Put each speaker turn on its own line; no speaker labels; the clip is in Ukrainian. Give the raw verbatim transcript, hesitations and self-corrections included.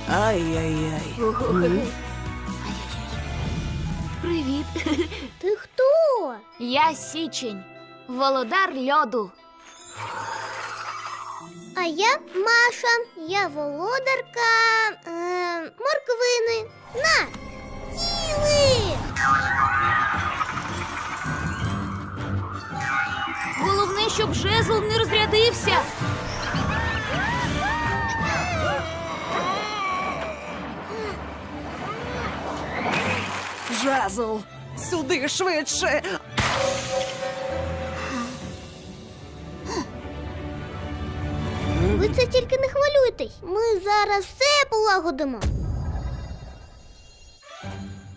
Ай-яй-яй.
Привіт.
Ти хто?
Я Січень, володар льоду.
А я Маша. Я володарка е, морквини. На! Їли!
Головне, щоб жезл не розрядився.
Жезл! Сюди швидше!
Ви це тільки не хвилюйтесь. Ми зараз все полагодимо.